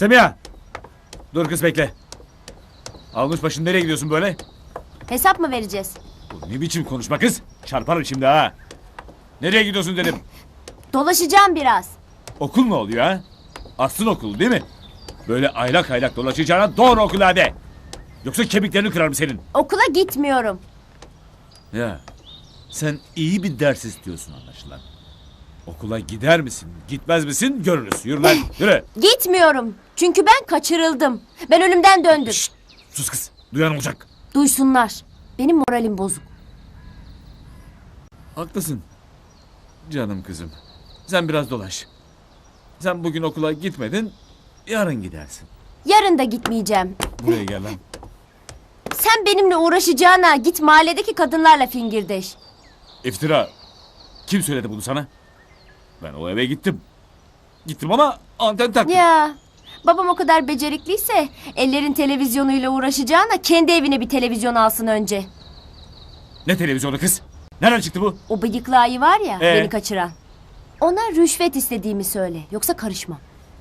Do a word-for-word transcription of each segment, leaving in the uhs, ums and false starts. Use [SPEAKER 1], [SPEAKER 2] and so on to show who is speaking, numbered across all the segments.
[SPEAKER 1] Semiha! Dur kız bekle. Almış başını nereye gidiyorsun böyle?
[SPEAKER 2] Hesap mı vereceğiz?
[SPEAKER 1] Bu ne biçim konuşma kız? Çarparım şimdi ha. Nereye gidiyorsun dedim.
[SPEAKER 2] Dolaşacağım biraz.
[SPEAKER 1] Okul mu oluyor ha? Aslın okulu değil mi? Böyle aylak aylak dolaşacağına doğru okula hadi. Yoksa kemiklerini kırarım senin.
[SPEAKER 2] Okula gitmiyorum.
[SPEAKER 1] Ya sen iyi bir ders istiyorsun anlaşılan. Okula gider misin, gitmez misin görürüz. Yürü lan, yürü.
[SPEAKER 2] Gitmiyorum. Çünkü ben kaçırıldım. Ben ölümden döndüm.
[SPEAKER 1] Şşt, sus kız, duyan olacak.
[SPEAKER 2] Duysunlar. Benim moralim bozuk.
[SPEAKER 1] Haklısın. Canım kızım. Sen biraz dolaş. Sen bugün okula gitmedin, yarın gidersin.
[SPEAKER 2] Yarın da gitmeyeceğim.
[SPEAKER 1] Buraya gel lan.
[SPEAKER 2] Sen benimle uğraşacağına git mahalledeki kadınlarla fingirdeş.
[SPEAKER 1] İftira. Kim söyledi bunu sana? Ben o eve gittim. Gittim ama anten taktım.
[SPEAKER 2] Ya babam o kadar becerikliyse ellerin televizyonuyla uğraşacağına kendi evine bir televizyon alsın önce.
[SPEAKER 1] Ne televizyonu kız? Nereden çıktı bu?
[SPEAKER 2] O bıyıklı ayı var ya
[SPEAKER 1] Ee?
[SPEAKER 2] beni kaçıran. Ona rüşvet istediğimi söyle. Yoksa karışmam.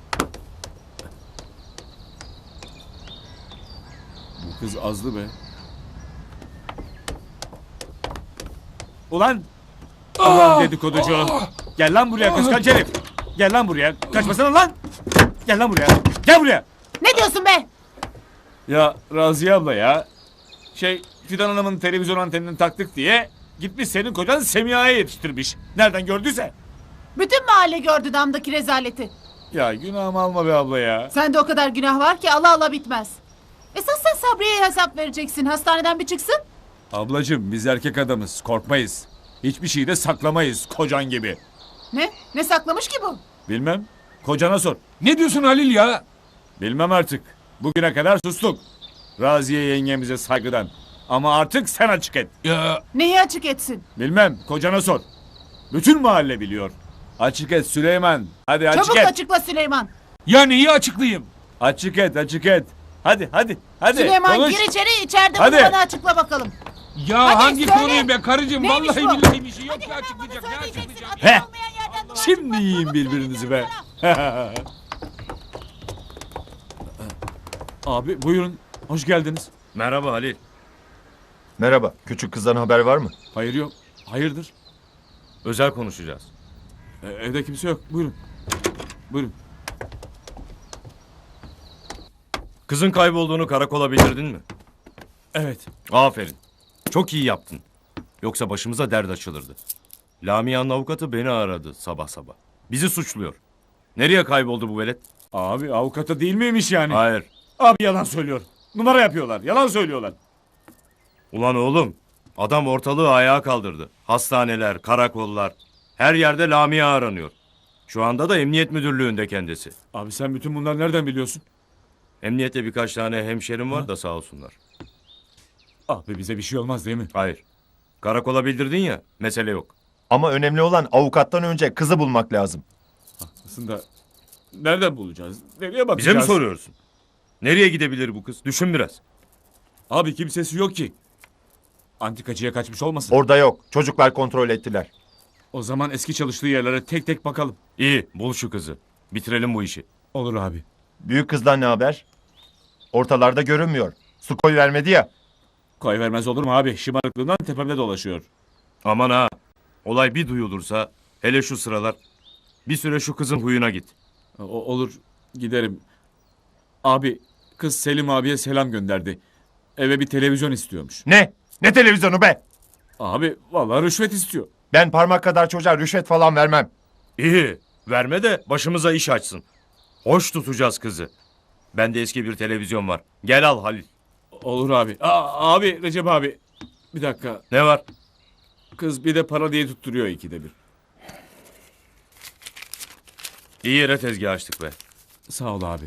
[SPEAKER 1] Bu kız azlı be. Ulan! Ulan dedikoducu. Gel lan buraya kıskanç herif. Gel lan buraya. Kaçmasana lan. Gel lan buraya. Gel buraya.
[SPEAKER 3] Ne diyorsun be?
[SPEAKER 1] Ya Raziye abla ya. Şey Fidan Hanım'ın televizyon antenini taktık diye gitmiş senin kocan Semiha'ya yetiştirmiş. Nereden gördüyse.
[SPEAKER 3] Bütün mahalle gördü damdaki rezaleti.
[SPEAKER 1] Ya günahımı alma be abla ya.
[SPEAKER 3] Sende o kadar günah var ki ala ala bitmez. Esas sen Sabriye'ye hesap vereceksin. Hastaneden bir çıksın.
[SPEAKER 1] Ablacığım biz erkek adamız. Korkmayız. Hiçbir şeyi de saklamayız kocan gibi.
[SPEAKER 3] Ne? Ne saklamış ki bu?
[SPEAKER 1] Bilmem. Kocana sor.
[SPEAKER 4] Ne diyorsun Halil ya?
[SPEAKER 1] Bilmem artık. Bugüne kadar sustuk. Raziye yengemize saygıdan. Ama artık sen açık et.
[SPEAKER 4] Ya
[SPEAKER 3] Neyi açık etsin?
[SPEAKER 1] Bilmem. Kocana sor. Bütün mahalle biliyor. Açık et Süleyman. Hadi açık
[SPEAKER 3] Çabuk
[SPEAKER 1] et.
[SPEAKER 3] açıkla Süleyman.
[SPEAKER 4] ya neyi açıklayayım?
[SPEAKER 1] Açık et, açık et. Hadi, hadi, hadi.
[SPEAKER 3] Süleyman
[SPEAKER 1] konuş.
[SPEAKER 3] gir içeri, içeride
[SPEAKER 1] Hadi.
[SPEAKER 3] bunu bana açıkla bakalım.
[SPEAKER 4] Ya
[SPEAKER 3] Hadi
[SPEAKER 4] hangi
[SPEAKER 3] söyle.
[SPEAKER 4] konuyu be karıcığım?
[SPEAKER 3] Neymiş
[SPEAKER 4] Vallahi
[SPEAKER 3] bu?
[SPEAKER 4] billahi bir şey yok
[SPEAKER 3] Hadi
[SPEAKER 4] ya
[SPEAKER 3] hemen
[SPEAKER 4] açıklayacak.
[SPEAKER 3] bana
[SPEAKER 4] Ne
[SPEAKER 3] söyleyeceksin.
[SPEAKER 4] açıklayacak?
[SPEAKER 3] Ateş
[SPEAKER 1] Heh.
[SPEAKER 3] olmayan yerden dolaşma.
[SPEAKER 1] Şimdi yiyin birbirinizi be. Abi buyurun. Hoş geldiniz.
[SPEAKER 5] Merhaba Halil.
[SPEAKER 6] Merhaba. Küçük kızdan haber var mı?
[SPEAKER 1] Hayır yok. Hayırdır?
[SPEAKER 5] Özel konuşacağız.
[SPEAKER 1] Ee, evde kimse yok. Buyurun. Buyurun.
[SPEAKER 5] Kızın kaybolduğunu karakola bildirdin mi?
[SPEAKER 1] Evet.
[SPEAKER 5] Aferin. Çok iyi yaptın. Yoksa başımıza dert açılırdı. Lamia'nın avukatı beni aradı sabah sabah. Bizi suçluyor. Nereye kayboldu bu velet?
[SPEAKER 1] Abi avukata değil miymiş yani?
[SPEAKER 5] Hayır.
[SPEAKER 1] Abi yalan söylüyor. Numara yapıyorlar. Yalan söylüyorlar.
[SPEAKER 5] Ulan oğlum. Adam ortalığı ayağa kaldırdı. Hastaneler, karakollar. Her yerde Lamia aranıyor. Şu anda da emniyet müdürlüğünde kendisi.
[SPEAKER 1] Abi sen bütün bunları nereden biliyorsun?
[SPEAKER 5] Emniyette birkaç tane hemşerim var da sağ olsunlar.
[SPEAKER 1] Abi bize bir şey olmaz değil mi?
[SPEAKER 5] Hayır. Karakola bildirdin ya, mesele yok.
[SPEAKER 6] Ama önemli olan avukattan önce kızı bulmak lazım.
[SPEAKER 1] Aslında nereden bulacağız? Nereye bakacağız?
[SPEAKER 5] Bize mi soruyorsun? Nereye gidebilir bu kız? Düşün biraz.
[SPEAKER 1] Abi kimsesi yok ki. Antikacıya kaçmış olmasın?
[SPEAKER 6] Orada yok. Çocuklar kontrol ettiler.
[SPEAKER 1] O zaman eski çalıştığı yerlere tek tek bakalım.
[SPEAKER 5] İyi, bul şu kızı. Bitirelim bu işi.
[SPEAKER 1] Olur abi.
[SPEAKER 6] Büyük kızdan ne haber? Ortalarda görünmüyor. Su koy vermedi ya.
[SPEAKER 1] Koy vermez olur mu abi? Şımarıklığından tepemde dolaşıyor.
[SPEAKER 5] Aman ha. Olay bir duyulursa, hele şu sıralar, bir süre şu kızın huyuna git.
[SPEAKER 1] O, olur giderim. Abi kız Selim abiye selam gönderdi. Eve bir televizyon istiyormuş.
[SPEAKER 6] Ne? Ne televizyonu be?
[SPEAKER 1] Abi vallahi rüşvet istiyor.
[SPEAKER 6] Ben parmak kadar çocuğa rüşvet falan vermem.
[SPEAKER 5] İyi, verme de başımıza iş açsın. Hoş tutacağız kızı. Bende eski bir televizyon var. Gel al Halil.
[SPEAKER 1] Olur abi. Aa, abi Recep abi. Bir dakika.
[SPEAKER 5] Ne var?
[SPEAKER 1] Kız bir de para diye tutturuyor ikide bir.
[SPEAKER 5] İyi yere tezgah açtık be.
[SPEAKER 1] Sağ ol abi.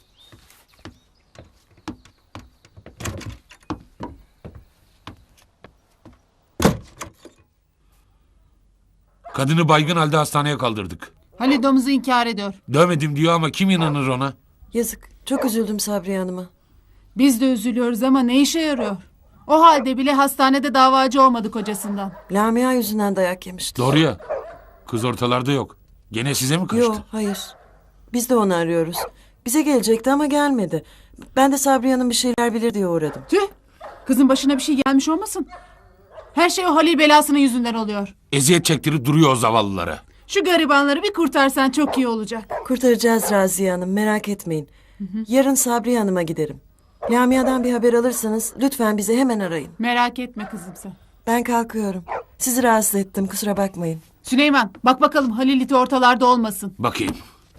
[SPEAKER 4] Kadını baygın halde hastaneye kaldırdık.
[SPEAKER 3] Halil domuzu inkar ediyor.
[SPEAKER 4] Dövmedim diyor ama kim inanır ona?
[SPEAKER 7] Yazık. Çok üzüldüm Sabriye Hanım'a.
[SPEAKER 3] Biz de üzülüyoruz ama ne işe yarıyor? O halde bile hastanede davacı olmadı kocasından.
[SPEAKER 7] Lamia yüzünden dayak yemişti.
[SPEAKER 4] Doğru ya. Kız ortalarda yok. Gene size mi kaçtı?
[SPEAKER 7] Yok, hayır. Biz de onu arıyoruz. Bize gelecekti ama gelmedi. Ben de Sabriye Hanım bir şeyler bilir diye uğradım.
[SPEAKER 3] Tüh. Kızın başına bir şey gelmiş olmasın? Her şey o Halil belasının yüzünden oluyor.
[SPEAKER 4] Eziyet çektirip duruyor o zavallılara.
[SPEAKER 3] Şu garibanları bir kurtarsan çok iyi olacak.
[SPEAKER 7] Kurtaracağız Raziye Hanım, merak etmeyin. Yarın Sabriye Hanım'a giderim. Lamia'dan bir haber alırsanız lütfen bizi hemen arayın.
[SPEAKER 3] Merak etme kızım sen.
[SPEAKER 7] Ben kalkıyorum. Sizi rahatsız ettim, kusura bakmayın.
[SPEAKER 3] Süleyman bak bakalım Halil iti ortalarda olmasın.
[SPEAKER 4] Bakayım.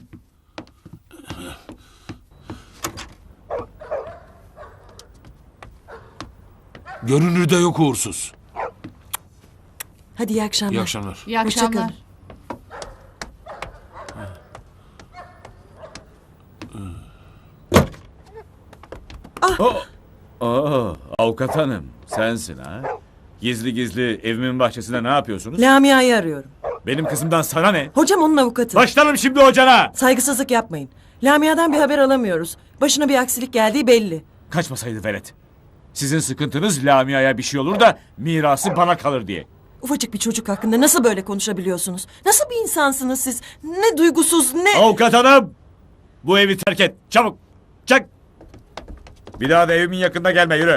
[SPEAKER 4] Görünürde yok uğursuz.
[SPEAKER 7] Hadi iyi akşamlar.
[SPEAKER 4] İyi akşamlar.
[SPEAKER 3] İyi
[SPEAKER 7] Hoşça
[SPEAKER 3] akşamlar.
[SPEAKER 7] kalın.
[SPEAKER 1] Oo, avukat hanım sensin ha. Gizli gizli evimin bahçesinde ne yapıyorsunuz?
[SPEAKER 7] Lamia'yı arıyorum.
[SPEAKER 1] Benim kızımdan sana ne?
[SPEAKER 7] Hocam onun avukatı.
[SPEAKER 1] Başlarım şimdi hocana.
[SPEAKER 7] Saygısızlık yapmayın. Lamia'dan bir haber alamıyoruz. Başına bir aksilik geldiği belli.
[SPEAKER 1] Kaçmasaydı velet. Sizin sıkıntınız Lamia'ya bir şey olur da mirası bana kalır diye.
[SPEAKER 7] Ufacık bir çocuk hakkında nasıl böyle konuşabiliyorsunuz? Nasıl bir insansınız siz? Ne duygusuz ne...
[SPEAKER 1] Avukat hanım! Bu evi terk et. Çabuk. Çek. Bir daha da evimin yakında gelme yürü.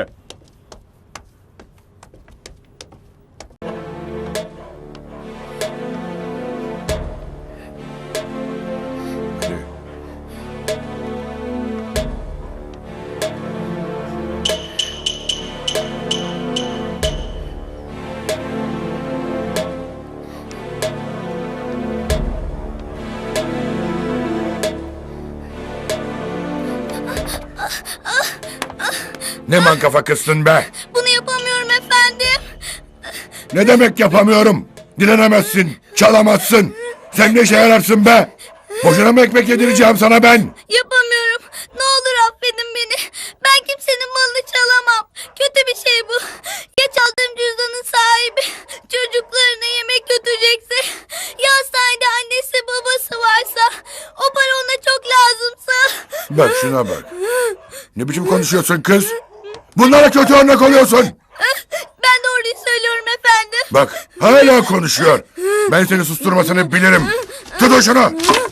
[SPEAKER 8] Ne mankafa kızsın be?
[SPEAKER 2] Bunu yapamıyorum efendim.
[SPEAKER 8] Ne demek yapamıyorum? Dilenemezsin, çalamazsın. Sen ne işe yararsın be? Boşuna mı ekmek yedireceğim sana ben?
[SPEAKER 2] Yapamıyorum. Ne olur affedin beni. Ben kimsenin malını çalamam. Kötü bir şey bu. Ya çaldığım cüzdanın sahibi çocuklarına yemek götürecekse, ya hastanede annesi babası varsa, o para ona çok lazımsa.
[SPEAKER 8] Bak şuna bak. Ne biçim konuşuyorsun kız? Bunlara kötü örnek oluyorsun.
[SPEAKER 2] Ben doğruyu söylüyorum efendim.
[SPEAKER 8] Bak hala konuşuyor. Ben seni susturmasını bilirim. Tut şunu.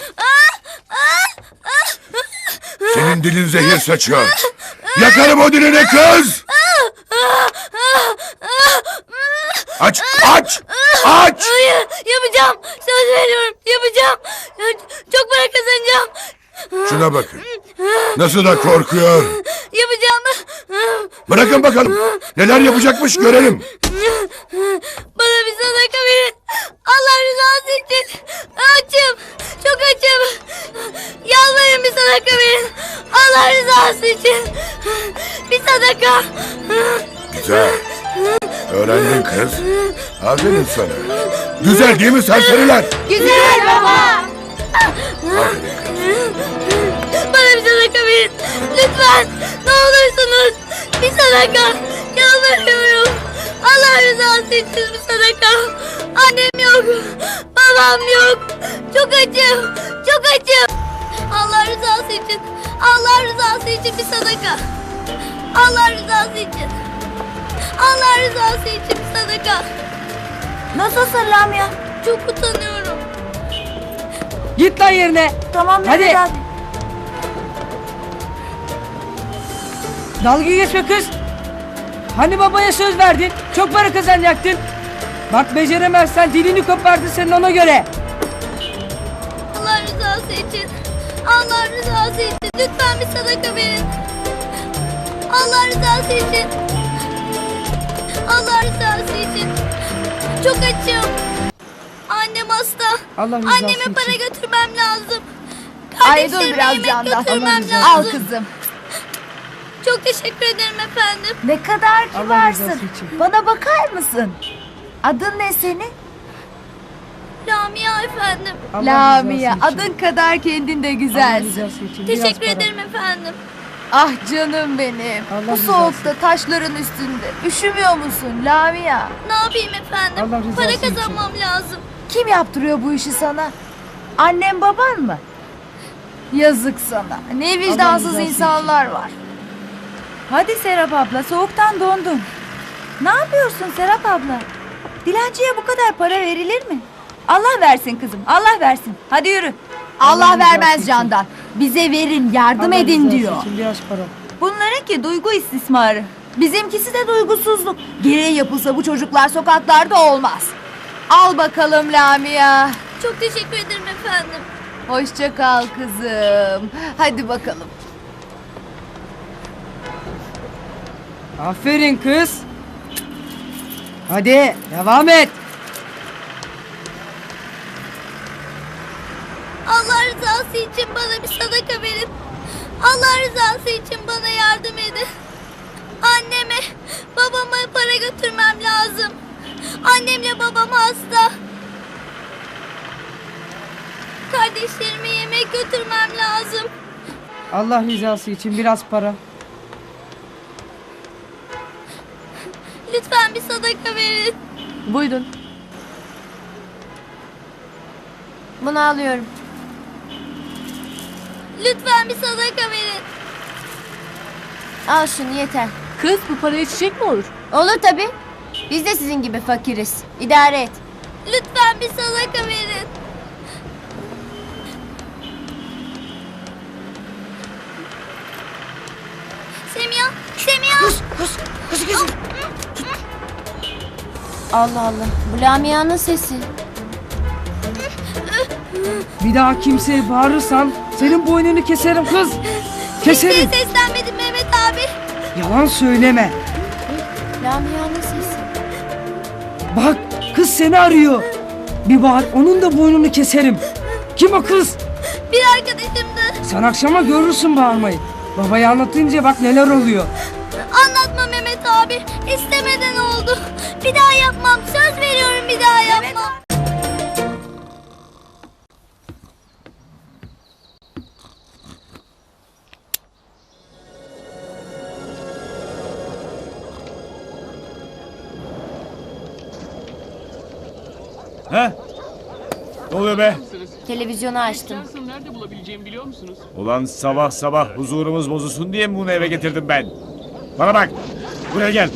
[SPEAKER 8] Senin dilin zehir saçıyor. Yakarım o dilini kız. Aç, aç, aç.
[SPEAKER 2] Hayır, yapacağım. Söz veriyorum, yapacağım. Çok para kazanacağım.
[SPEAKER 8] Şuna bakın. Nasıl da korkuyor.
[SPEAKER 2] Yapacağım.
[SPEAKER 8] Bırakın bakalım. Neler yapacakmış görelim.
[SPEAKER 2] Bana bir sadaka verin. Allah rızası için. Açım. Çok açım. Yalvarırım bir sadaka verin. Allah rızası için. Bir sadaka.
[SPEAKER 8] Güzel. Öğrendin kız. Aferin sana. Güzel değil mi serseriler?
[SPEAKER 2] Güzel baba.
[SPEAKER 8] Aferin kız.
[SPEAKER 2] Bana bir sadaka verin. Lütfen. Ne olursunuz. Bir sadaka. Yalvarıyorum. Allah rızası için bir sadaka. Annem yok. Babam yok. Çok acım. Çok acım. Allah rızası için. Allah rızası için bir sadaka. Allah rızası için. Allah rızası için bir sadaka. Nasılsın Lamia? Çok utanıyorum.
[SPEAKER 9] Git lan yerine.
[SPEAKER 2] Tamam
[SPEAKER 9] Hadi.
[SPEAKER 2] Mehmet abi.
[SPEAKER 9] Dalga geçme kız. Hani babaya söz verdin? Çok para kazanacaktın. Bak beceremezsen dilini kopardı senin ona göre.
[SPEAKER 2] Allah rızası için. Allah rızası için. Lütfen bir sadaka verin. Allah rızası için. Allah rızası için. Çok açım. Annem hasta.
[SPEAKER 9] Allah rızası
[SPEAKER 2] Anneme
[SPEAKER 9] için.
[SPEAKER 2] para götürmem lazım.
[SPEAKER 10] Ay dur
[SPEAKER 2] Kardeşlerime
[SPEAKER 10] biraz
[SPEAKER 2] yemek
[SPEAKER 10] yandan.
[SPEAKER 2] götürmem
[SPEAKER 10] Al
[SPEAKER 2] lazım.
[SPEAKER 10] kızım.
[SPEAKER 2] Çok teşekkür ederim efendim.
[SPEAKER 10] Ne kadar
[SPEAKER 9] Allah
[SPEAKER 10] kibarsın.
[SPEAKER 9] rızası için.
[SPEAKER 10] Bana bakar mısın? Adın ne senin?
[SPEAKER 2] Lamia efendim.
[SPEAKER 9] Allah
[SPEAKER 10] Lamia.
[SPEAKER 9] rızası için.
[SPEAKER 10] Adın kadar kendin de
[SPEAKER 9] Allah
[SPEAKER 10] güzelsin.
[SPEAKER 9] rızası için. Biraz
[SPEAKER 2] Teşekkür
[SPEAKER 9] para.
[SPEAKER 2] ederim efendim.
[SPEAKER 10] Ah canım benim.
[SPEAKER 9] Allah
[SPEAKER 10] Bu
[SPEAKER 9] rızası
[SPEAKER 10] soğukta taşların üstünde. Üşümüyor musun Lamia?
[SPEAKER 2] Ne yapayım efendim?
[SPEAKER 9] Allah rızası
[SPEAKER 2] Para
[SPEAKER 9] için.
[SPEAKER 2] kazanmam lazım.
[SPEAKER 10] Kim yaptırıyor bu işi sana? Annem baban mı? Yazık sana. Ne vicdansız
[SPEAKER 9] rızası
[SPEAKER 10] insanlar var. Hadi Serap abla, soğuktan dondun. Ne yapıyorsun Serap abla? Dilenciye bu kadar para verilir mi? Allah versin kızım, Allah versin. Hadi yürü. Allah,
[SPEAKER 9] Allah rızası
[SPEAKER 10] vermez
[SPEAKER 9] için.
[SPEAKER 10] candan. Bize verin, yardım
[SPEAKER 9] Allah
[SPEAKER 10] edin
[SPEAKER 9] rızası
[SPEAKER 10] diyor.
[SPEAKER 9] için biraz para.
[SPEAKER 10] Bunlarınki duygu istismarı. Bizimkisi de duygusuzluk. Gereği yapılsa bu çocuklar sokaklarda olmaz. Al bakalım Lamia.
[SPEAKER 2] Çok teşekkür ederim efendim.
[SPEAKER 10] Hoşça kal kızım. Hadi bakalım.
[SPEAKER 9] Aferin kız. Hadi devam et.
[SPEAKER 2] Allah rızası için bana bir sadaka verin. Allah rızası için bana yardım edin. Anneme, babama para götürmem lazım. Annemle babam hasta. Kardeşlerime yemek götürmem lazım.
[SPEAKER 9] Allah rızası için biraz para.
[SPEAKER 2] Lütfen bir sadaka verin.
[SPEAKER 10] Buyurun. Bunu alıyorum.
[SPEAKER 2] Lütfen bir sadaka verin.
[SPEAKER 10] Al şunu yeter.
[SPEAKER 3] Kız bu paraya çiçek mi olur?
[SPEAKER 10] Olur tabii. Biz de sizin gibi fakiriz. İdare et.
[SPEAKER 2] Lütfen bir sadaka verin. Semiha, Semiha.
[SPEAKER 10] Allah Allah. Bu Lamia'nın sesi.
[SPEAKER 9] Bir daha kimseye bağırırsan senin boynunu keserim kız.
[SPEAKER 2] Kimseye
[SPEAKER 9] Keserim.
[SPEAKER 2] seslenmedim Mehmet abi.
[SPEAKER 9] Yalan söyleme.
[SPEAKER 10] Lamia'nın sesi.
[SPEAKER 9] Bak kız seni arıyor. Bir bağır onun da boynunu keserim. Kim o kız?
[SPEAKER 2] Bir arkadaşımdı.
[SPEAKER 9] Sen akşama görürsün bağırmayı. Babaya anlatınca bak neler oluyor.
[SPEAKER 2] Anlatma Mehmet abi. İstemeden oldu. Bir daha yapmam. Söz veriyorum bir daha yapmam.
[SPEAKER 1] He? Ne oluyor be?
[SPEAKER 10] Televizyonu açtım.
[SPEAKER 11] Nerede bulabileceğimi biliyor musunuz?
[SPEAKER 1] Ulan sabah sabah huzurumuz bozulsun diye mi bunu eve getirdim ben? Bana bak. Buraya gel.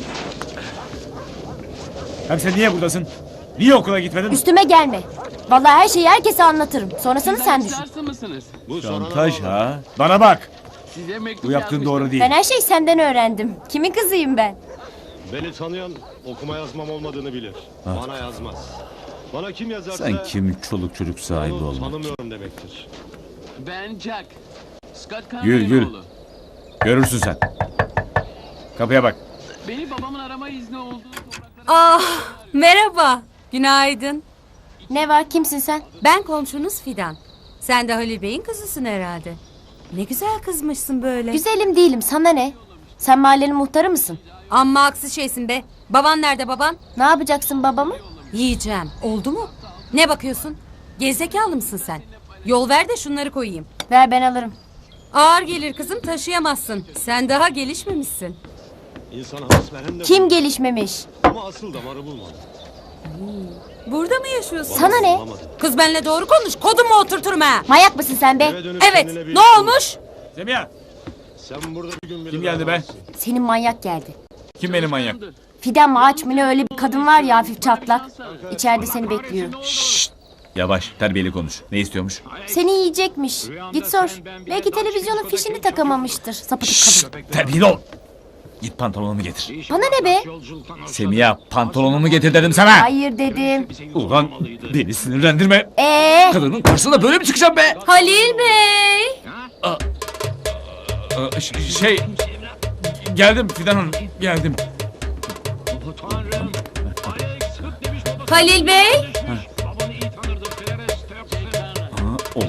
[SPEAKER 1] Hem sen niye buradasın? Niye okula gitmedin?
[SPEAKER 10] Üstüme gelme. Vallahi her şeyi herkese anlatırım. Sonrasını sen düşün.
[SPEAKER 11] Şanslı mısınız?
[SPEAKER 1] Şantaj ha? Bana bak.
[SPEAKER 11] Size mektup
[SPEAKER 1] Bu yaptığın
[SPEAKER 11] yazmıştım.
[SPEAKER 1] doğru değil.
[SPEAKER 10] Ben her şeyi senden öğrendim. Kimin kızıyım ben?
[SPEAKER 12] Beni tanıyan okuma yazmam olmadığını bilir. Bana yazmaz. Bana kim yazarsa
[SPEAKER 1] Sen kim çoluk çocuk sahibi
[SPEAKER 12] onu
[SPEAKER 1] olmak?
[SPEAKER 12] tanımıyorum demektir.
[SPEAKER 11] Ben Jack. Scott
[SPEAKER 1] Gül,
[SPEAKER 11] Conway'in
[SPEAKER 1] gül.
[SPEAKER 11] oğlu.
[SPEAKER 1] Görürsün sen. Kapıya bak.
[SPEAKER 11] Beni babamın arama izni olduğu topraklara...
[SPEAKER 13] Ah, merhaba. Günaydın.
[SPEAKER 10] Ne var, kimsin sen?
[SPEAKER 13] Ben komşunuz Fidan. Sen de Halil Bey'in kızısın herhalde. Ne güzel kızmışsın böyle.
[SPEAKER 10] Güzelim değilim, sana ne? Sen mahallenin muhtarı mısın?
[SPEAKER 13] Amma aksi şeysin be. Baban nerede baban?
[SPEAKER 10] Ne yapacaksın babamı?
[SPEAKER 13] Yiyeceğim. Oldu mu? Ne bakıyorsun? Gerizekalı mısın sen? Yol ver de şunları koyayım.
[SPEAKER 10] Ver, ben alırım.
[SPEAKER 13] Ağır gelir kızım, taşıyamazsın. Sen daha gelişmemişsin.
[SPEAKER 12] İnsan havas veren de
[SPEAKER 10] Kim
[SPEAKER 12] bu.
[SPEAKER 10] gelişmemiş?
[SPEAKER 12] Ama asıl damarı bulmadı.
[SPEAKER 13] Burada mı yaşıyorsun?
[SPEAKER 10] Sana ne?
[SPEAKER 12] Bulamadı.
[SPEAKER 13] Kız benimle doğru konuş. Kodumu oturturum ha.
[SPEAKER 10] Manyak mısın sen be?
[SPEAKER 12] Eve dönüp
[SPEAKER 13] Evet.
[SPEAKER 12] kendine bir
[SPEAKER 13] Ne
[SPEAKER 12] iş bul.
[SPEAKER 13] olmuş?
[SPEAKER 1] Semiha.
[SPEAKER 12] Sen burada bir gün bile
[SPEAKER 1] Kim geldi be?
[SPEAKER 12] dayanamazsın.
[SPEAKER 10] Senin manyak geldi.
[SPEAKER 1] Kim benim manyak?
[SPEAKER 10] Fidan mı ağaç mı ne, öyle bir kadın var ya, hafif çatlak. İçeride seni bekliyor.
[SPEAKER 1] Yavaş, terbiyeli konuş. Ne istiyormuş?
[SPEAKER 10] Seni yiyecekmiş. Git sor. Belki televizyonun fişini takamamıştır. Sapıtık kadın.
[SPEAKER 1] Terbiyeli ol. Git pantolonumu getir.
[SPEAKER 10] Bana ne be?
[SPEAKER 1] Semiha, pantolonumu getir dedim sana.
[SPEAKER 10] Hayır dedim.
[SPEAKER 1] Ulan beni sinirlendirme.
[SPEAKER 10] Ee,
[SPEAKER 1] Kadının karşısına böyle mi çıkacağım be?
[SPEAKER 13] Halil Bey.
[SPEAKER 1] Aa, ş- Şey... Geldim Fidan Hanım, geldim.
[SPEAKER 13] Halil Bey.
[SPEAKER 1] Aa, oo.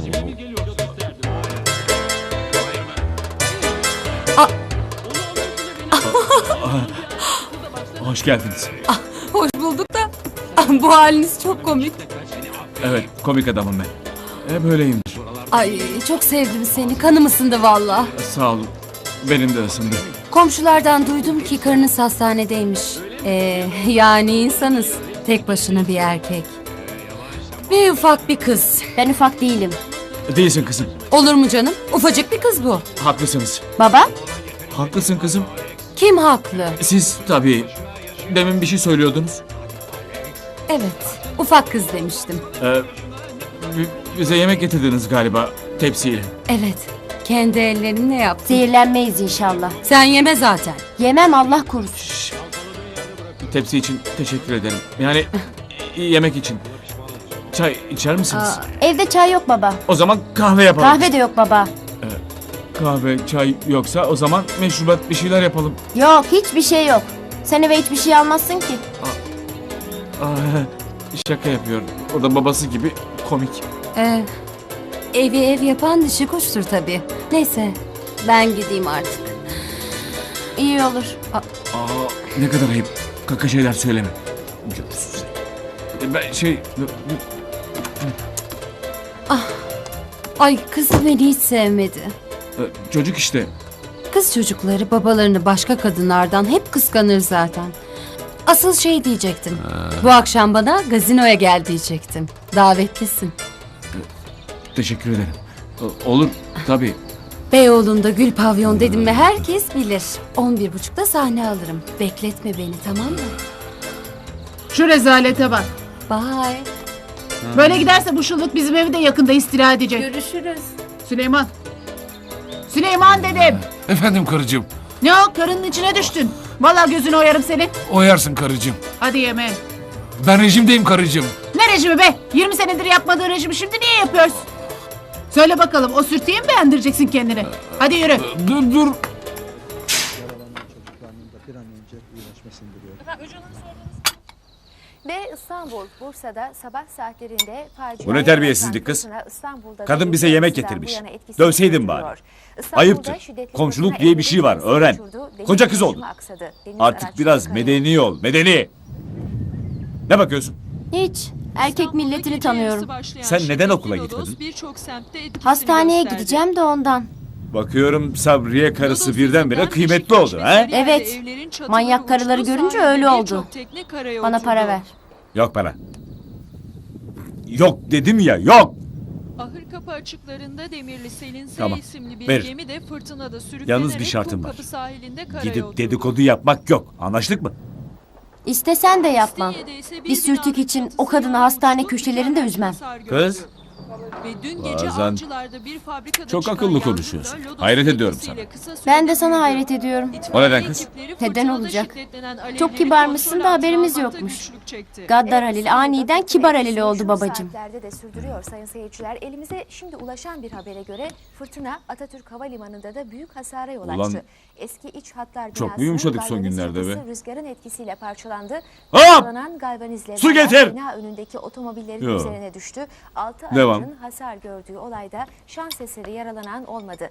[SPEAKER 1] Aa, Hoş geldiniz.
[SPEAKER 13] Hoş bulduk da bu haliniz çok komik.
[SPEAKER 1] Evet, komik adamım ben. E, böyleyimdir.
[SPEAKER 13] Ay çok sevdim seni. Kanım ısındı valla.
[SPEAKER 1] Sağ olun. Benim de ısındı.
[SPEAKER 13] Komşulardan duydum ki karınız hastanedeymiş. Ee, yani insanız. Tek başına bir erkek. Ve ufak bir kız.
[SPEAKER 10] ben ufak değilim.
[SPEAKER 1] Değilsin kızım.
[SPEAKER 13] Olur mu canım? Ufacık bir kız bu.
[SPEAKER 1] Haklısınız.
[SPEAKER 10] Baba?
[SPEAKER 1] Haklısın kızım.
[SPEAKER 13] Kim haklı?
[SPEAKER 1] Siz tabii demin bir şey söylüyordunuz.
[SPEAKER 13] Evet. Ufak kız demiştim.
[SPEAKER 1] Ee, bi- bize yemek getirdiniz galiba tepsiyle.
[SPEAKER 13] Evet. kendi ellerimle yaptım.
[SPEAKER 10] Zehirlenmeyiz inşallah.
[SPEAKER 13] Sen yeme zaten.
[SPEAKER 10] Yemem Allah korusun.
[SPEAKER 1] Tepsi için teşekkür ederim. Yani yemek için. Çay içer misiniz?
[SPEAKER 10] Evde çay yok baba.
[SPEAKER 1] O zaman kahve yapalım.
[SPEAKER 10] Kahve de yok baba.
[SPEAKER 1] Kahve, çay yoksa o zaman meşrubat bir şeyler yapalım.
[SPEAKER 10] Yok hiçbir şey yok. Sen eve hiçbir şey almazsın ki.
[SPEAKER 1] Aa, şaka yapıyor. O da babası gibi komik.
[SPEAKER 13] Ee, evi ev yapan dişi kuştur tabii. Neyse ben gideyim artık.
[SPEAKER 10] İyi olur.
[SPEAKER 1] Aa, ne kadar ayıp. Kaka şeyler söyleme. Görürsün. Ben şey...
[SPEAKER 13] Ay kız beni hiç sevmedi.
[SPEAKER 1] Çocuk işte.
[SPEAKER 13] Kız çocukları babalarını başka kadınlardan hep kıskanır zaten. Asıl şey diyecektim. Bu akşam bana gazinoya gel diyecektim. Davetlisin.
[SPEAKER 1] Teşekkür ederim. Olur tabii.
[SPEAKER 13] Beyoğlu'nda Gül Pavyon dedim mi herkes bilir. On bir buçukta sahne alırım. Bekletme beni, tamam mı?
[SPEAKER 3] Şu rezalete bak.
[SPEAKER 13] Bye.
[SPEAKER 3] Böyle giderse bu şıllık bizim evi de yakında istila edecek.
[SPEAKER 13] Görüşürüz.
[SPEAKER 3] Süleyman. Süleyman dedim.
[SPEAKER 4] Efendim karıcığım.
[SPEAKER 3] Ne o, karının içine düştün. Vallahi gözünü oyarım senin.
[SPEAKER 4] Oyarsın karıcığım.
[SPEAKER 3] Hadi yeme.
[SPEAKER 4] Ben rejimdeyim karıcığım.
[SPEAKER 3] Ne rejimi be? yirmi senedir yapmadığın rejimi şimdi niye yapıyorsun? Söyle bakalım, o sürtüye mi beğendireceksin kendini? Hadi yürü.
[SPEAKER 4] Dur dur.
[SPEAKER 10] Ve İstanbul, Bursa'da sabah saatlerinde facia...
[SPEAKER 1] Bu ne terbiyesizlik kız? Kadın bize yemek getirmiş. Dövseydin bari. Ayıptır. Komşuluk diye bir şey var, öğren. Koca kız oldun. Artık biraz medeni ol, medeni. Ne bakıyorsun?
[SPEAKER 10] Hiç. Erkek milletini tanıyorum.
[SPEAKER 1] Sen neden okula gitmedin?
[SPEAKER 10] Hastaneye gideceğim de ondan.
[SPEAKER 1] Bakıyorum Sabriye karısı birdenbire kıymetli oldu ha?
[SPEAKER 10] Evet. Manyak karıları görünce öyle oldu. Bana para ver.
[SPEAKER 1] Yok para. Yok dedim ya, yok.
[SPEAKER 14] Ahır kapı açıklarında Demirli Selin S
[SPEAKER 1] Tamam,
[SPEAKER 14] isimli bir
[SPEAKER 1] veririm.
[SPEAKER 14] gemi de fırtınada sürüklenerek
[SPEAKER 1] Yalnız bir şartım var.
[SPEAKER 14] Kumkapı sahilinde karaya
[SPEAKER 1] Gidip
[SPEAKER 14] oturdu.
[SPEAKER 1] dedikodu yapmak yok. Anlaştık mı?
[SPEAKER 10] İstesen de yapmam.
[SPEAKER 14] İstinye'de ise
[SPEAKER 10] Bir sürtük için o kadını hastane köşelerinde üzmem.
[SPEAKER 1] Kız.
[SPEAKER 14] Ve dün gece
[SPEAKER 1] Bazen
[SPEAKER 14] avcılarda bir fabrikada
[SPEAKER 1] çok
[SPEAKER 14] çıkan
[SPEAKER 1] akıllı
[SPEAKER 14] yangında
[SPEAKER 1] konuşuyorsun.
[SPEAKER 14] lodos
[SPEAKER 1] Hayret ediyorum
[SPEAKER 14] etkisiyle
[SPEAKER 1] sana.
[SPEAKER 14] kısa sürede
[SPEAKER 10] Ben de sana
[SPEAKER 14] büyüdü.
[SPEAKER 10] hayret ediyorum.
[SPEAKER 1] O neden kız?
[SPEAKER 14] Ekipleri
[SPEAKER 10] Neden
[SPEAKER 14] fırtınada
[SPEAKER 10] olacak?
[SPEAKER 14] şiddetlenen alevleri
[SPEAKER 10] Çok kibarmışsın
[SPEAKER 14] kontrol
[SPEAKER 10] da
[SPEAKER 14] altına
[SPEAKER 10] haberimiz
[SPEAKER 14] almakta
[SPEAKER 10] yokmuş.
[SPEAKER 14] güçlük çekti.
[SPEAKER 10] Gaddar Halil aniden kibar Halil oldu babacığım.
[SPEAKER 15] Saatlerde de sürdürüyor sayın seyirciler. Elimize şimdi ulaşan bir habere göre fırtına Atatürk Havalimanı'nda da büyük hasara yol açtı.
[SPEAKER 1] Ulan,
[SPEAKER 15] Eski iç hatlar
[SPEAKER 1] çok
[SPEAKER 15] binası
[SPEAKER 1] mu yumuşadık son
[SPEAKER 15] galvaniz
[SPEAKER 1] günlerde
[SPEAKER 15] çatısı
[SPEAKER 1] be?
[SPEAKER 15] Rüzgarın etkisiyle parçalandı.
[SPEAKER 1] Hop!
[SPEAKER 15] Parçalanan galvanizle
[SPEAKER 1] Su getir!
[SPEAKER 15] bina önündeki otomobillerin
[SPEAKER 1] Yo.
[SPEAKER 15] üzerine düştü. Altı
[SPEAKER 1] Devam.
[SPEAKER 15] aracın hasar gördüğü olayda şans eseri yaralanan olmadı.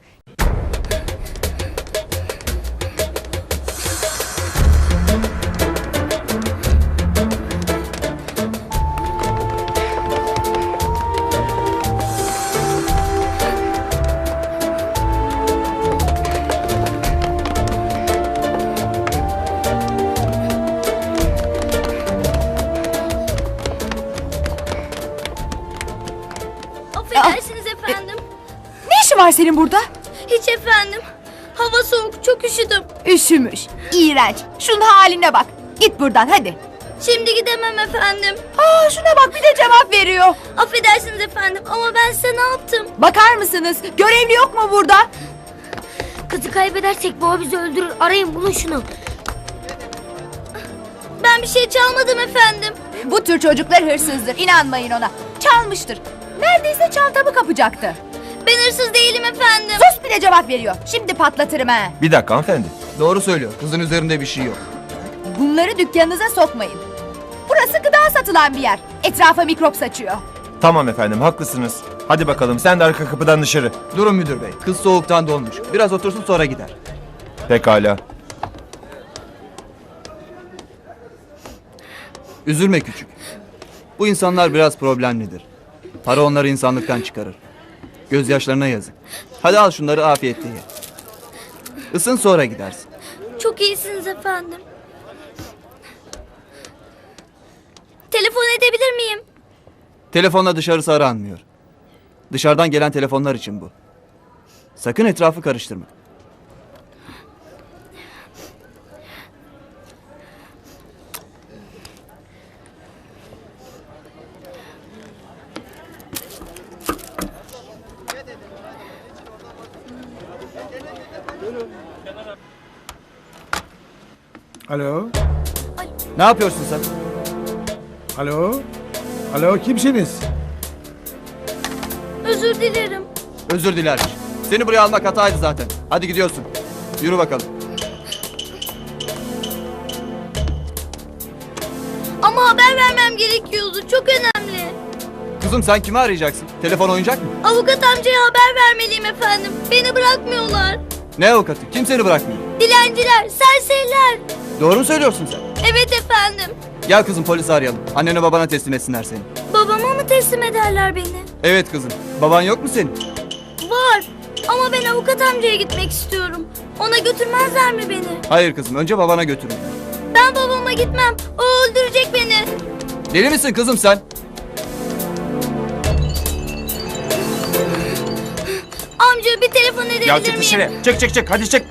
[SPEAKER 2] Affedersiniz efendim.
[SPEAKER 10] Ne işin var senin burada?
[SPEAKER 2] Hiç efendim. Hava soğuk, çok üşüdüm.
[SPEAKER 10] Üşümüş. İğrenç. Şunun haline bak. Git buradan hadi.
[SPEAKER 2] Şimdi gidemem efendim.
[SPEAKER 10] Aa, şuna bak bir de cevap veriyor.
[SPEAKER 2] Affedersiniz efendim ama ben size ne yaptım?
[SPEAKER 10] Bakar mısınız? Görevli yok mu burada?
[SPEAKER 2] Kızı kaybedersek baba bizi öldürür. Arayın bulun şunu. Ben bir şey çalmadım efendim.
[SPEAKER 10] Bu tür çocuklar hırsızdır. İnanmayın ona. Çalmıştır. Neredeyse çantamı kapacaktı.
[SPEAKER 2] Ben hırsız değilim efendim.
[SPEAKER 10] Sus bir de cevap veriyor. Şimdi patlatırım ha.
[SPEAKER 6] Bir dakika hanımefendi.
[SPEAKER 16] Doğru söylüyor. Kızın üzerinde bir şey yok.
[SPEAKER 10] Bunları dükkanınıza sokmayın. Burası gıda satılan bir yer. Etrafa mikrop saçıyor.
[SPEAKER 6] Tamam efendim haklısınız. Hadi bakalım sen de arka kapıdan dışarı.
[SPEAKER 16] Durun müdür bey. Kız soğuktan donmuş. Biraz otursun sonra gider.
[SPEAKER 6] Pekala.
[SPEAKER 16] Üzülme küçük. Bu insanlar biraz problemlidir. Para onları insanlıktan çıkarır. Gözyaşlarına yazık. Hadi al şunları afiyetle ye. Isın sonra gidersin.
[SPEAKER 2] Çok iyisiniz efendim. Telefon edebilir miyim?
[SPEAKER 16] Telefonla dışarısı aranmıyor. Dışarıdan gelen telefonlar için bu. Sakın etrafı karıştırma.
[SPEAKER 17] Alo?
[SPEAKER 16] Ne yapıyorsun sen?
[SPEAKER 17] Alo? Alo kimsiniz?
[SPEAKER 2] Özür dilerim.
[SPEAKER 16] Özür diler. Seni buraya almak hataydı zaten. Hadi gidiyorsun. Yürü bakalım.
[SPEAKER 2] Ama haber vermem gerekiyordu. Çok önemli.
[SPEAKER 16] Kızım sen kimi arayacaksın? Telefon oyuncak mı?
[SPEAKER 2] Avukat amcaya haber vermeliyim efendim. Beni bırakmıyorlar.
[SPEAKER 16] Ne avukatı? Kim seni bırakmıyor?
[SPEAKER 2] Dilenciler, serseriler.
[SPEAKER 16] Doğru mu söylüyorsun sen?
[SPEAKER 2] Evet efendim.
[SPEAKER 16] Gel kızım polisi arayalım. Annene babana teslim etsinler seni.
[SPEAKER 2] Babama mı teslim ederler beni?
[SPEAKER 16] Evet kızım. Baban yok mu senin?
[SPEAKER 2] Var. Ama ben avukat amcaya gitmek istiyorum. Ona götürmezler mi beni?
[SPEAKER 16] Hayır kızım. Önce babana götürün.
[SPEAKER 2] Ben babama gitmem. O öldürecek beni.
[SPEAKER 16] Deli misin kızım sen?
[SPEAKER 2] Amca bir telefon edebilir
[SPEAKER 1] Ya çık
[SPEAKER 2] miyim?
[SPEAKER 1] dışarı. Çık çık çık hadi çık.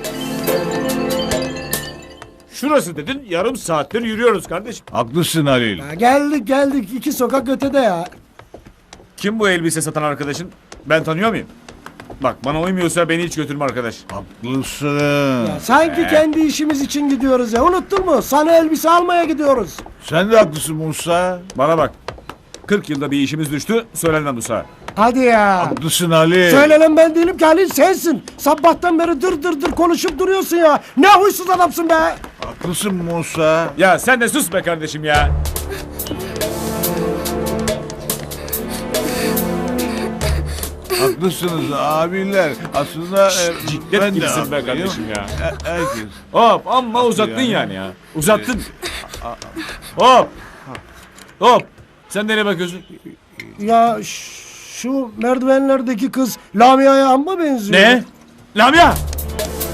[SPEAKER 1] Şurası dedin yarım saattir yürüyoruz kardeşim.
[SPEAKER 8] Haklısın Halil.
[SPEAKER 17] Ya geldik geldik iki sokak ötede ya.
[SPEAKER 1] Kim bu elbise satan arkadaşın? Ben tanıyor muyum? Bak bana uymuyorsa beni hiç götürme arkadaş.
[SPEAKER 8] Haklısın.
[SPEAKER 17] Ya sanki kendi işimiz için gidiyoruz ya. Unuttun mu? Sana elbise almaya gidiyoruz.
[SPEAKER 8] Sen de haklısın Musa.
[SPEAKER 1] Bana bak. kırk yılda bir işimiz düştü. Söylenmem Musa.
[SPEAKER 17] Hadi ya.
[SPEAKER 8] Haklısın Halil.
[SPEAKER 17] Söylenen ben değilim ki Halil sensin. Sabahtan beri dır dır dır konuşup duruyorsun ya. Ne huysuz adamsın be.
[SPEAKER 8] Haklısın Musa.
[SPEAKER 1] Ya sen de sus be kardeşim ya.
[SPEAKER 8] Haklısınız abiler. Aslında e,
[SPEAKER 1] Ciddet
[SPEAKER 8] ben de
[SPEAKER 1] gibisin be
[SPEAKER 8] haklıyım.
[SPEAKER 1] kardeşim ya.
[SPEAKER 8] E, herkes.
[SPEAKER 1] Hop amma uzattın yani ya. Uzattın. Hop. Hop. Sen nereye bakıyorsun?
[SPEAKER 17] Ya ş- şu merdivenlerdeki kız Lamia'ya amma benziyor.
[SPEAKER 1] Ne? Lamia!